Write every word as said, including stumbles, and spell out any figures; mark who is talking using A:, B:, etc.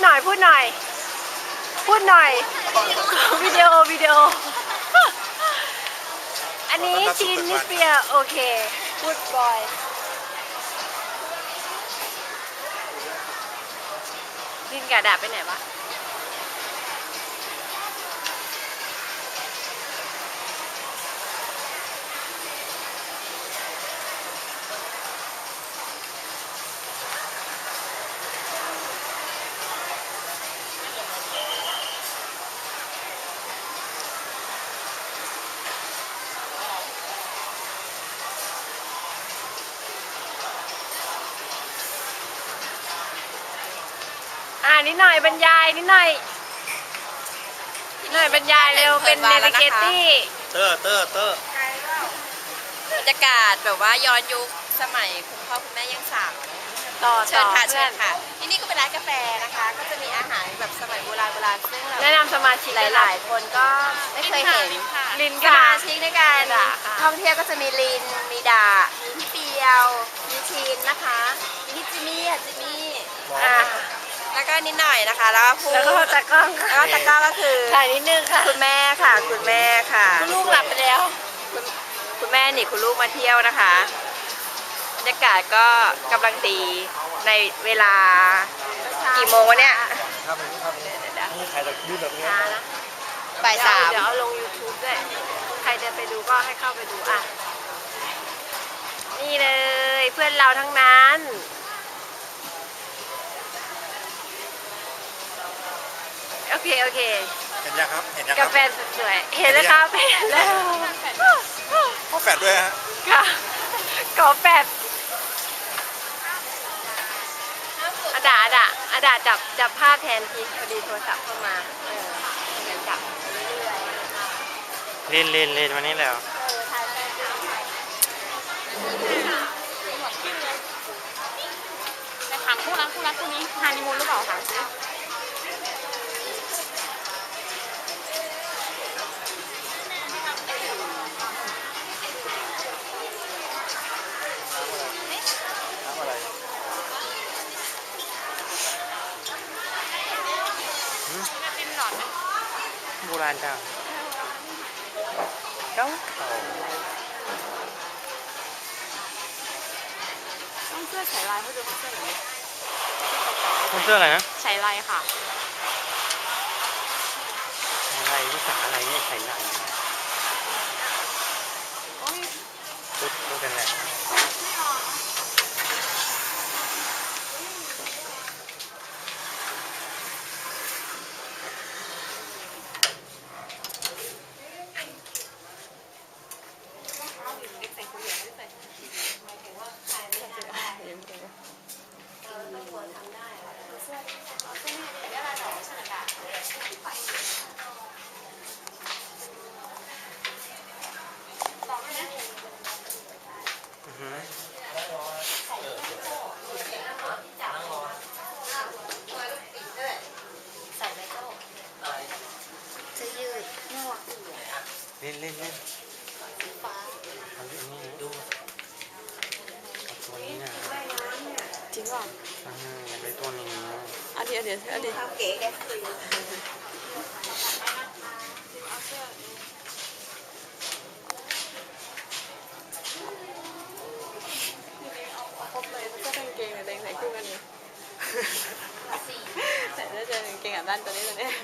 A: หน่อยพูดหน่อยพูดหน่อยวิดีโอวิดีโออันนี้จีนนิสเปียโอเคพูดบอยดินกระดาษไปไหนวะอ่านิดหน่อยบรรยายนิดหน่อยนิดหน่อยบรรยายเร็วเป็นเนวิเกตี้
B: เตอร์เตอร์เตอร์
C: บรรยากาศแบบว่าย้อนยุคสมัยคุณพ่อคุณแม่ยังสาว
A: ต่อ
C: เชิญค่ะเชิ
A: เพื่อ
C: ญ
A: น
C: ค่ะที่นี่ก็เป็นร้านกาแฟนะคะ ก็จะมีอาหารแบบสมัยโบราณโบราณซึ่ง
A: แนะนำสมาชิก
C: หลายๆคนก็ไม่เคยเห็น
A: ลิน
C: ส
A: ค่ะ
C: มาชิกในการ
A: ด่าค่ะ
C: ท่องเที่ยวก็จะมีลินมีดามีพี่เปียว มีชีนนะคะมีจิมมี่อ่ะจิมมี่
A: อ่า
C: แล้วก็นิดหน่อยนะคะ แล้วก็พู
A: แล้วก็ตากล้อง
C: แล้วก็ตะกร้าก็คือ
A: ถ่ายนิดนึงค่ะ
C: คุณแม่ค่ะ คุณแม่ค่ะ
A: คุณลูกหลับไปแล้ว
C: คุณคุณแม่หนีคุณลูกมาเที่ยวนะคะบรรยากาศก็กำลังดีในเวลากี่โมงวะเนี่ย
B: ครับผมครับนี่ถ่ายแบบยืดแบบนี้
A: ช้านะ
C: บ่ายสาม
A: เดี๋ยวเอาลง YouTube ด้วยใครจะไปดูก็ให้เข้าไปดูอ่ะนี่เลยเพื่อนเราทั้งนั้นโอเคโอเค
B: เห็นยังครับเห็นยังค
A: กา
B: รับ
A: แฟสวยๆเห็นแล้วครับเห็นแล้ว
B: ขอแฟดด้วยฮะ
A: ค่ะขอแปดอาดาอาดาอาดาจับจับภาพแทนทีพอดีโทรศัพท์เข้ามาเออเดี๋ยวจับเรื่อยๆ
B: เล่นเล่นเล่นวันนี้แล้ว
D: แต่ถามคู่รักคู่รักคู่นี้ฮานีมูนหรือเปล่าถามสิ
B: น้ำอะไร
D: เป็นหลอดไหม
B: โบราณจัง
A: เก้า
D: ต้องเสื้อฉายลายเขาดูเสื้อไหน
B: คุณเสื้ออะไรนะ
D: ฉายลายค่ะ
B: อะไรภาษาอะไรเนี่ยใส่ไหน
D: โอ้ย
B: พูดพูดกันแหละอือหือ
C: จะยืด
B: เล่นเล่นเล่นเอาอันนี้ดูเอาตัวนี้นะ
D: จริงเปล่า
B: อ่าอยากได้ตัวนี้
D: อันเดียวเดี๋ยวอันเดียว
C: ทำเก๋แก
D: ครบเลยเสื้อกางเกงกับเดงใส่คู่กันเลยใส่เสื้อเจอกางเกงกับด้านตัวนี้ตัวนี้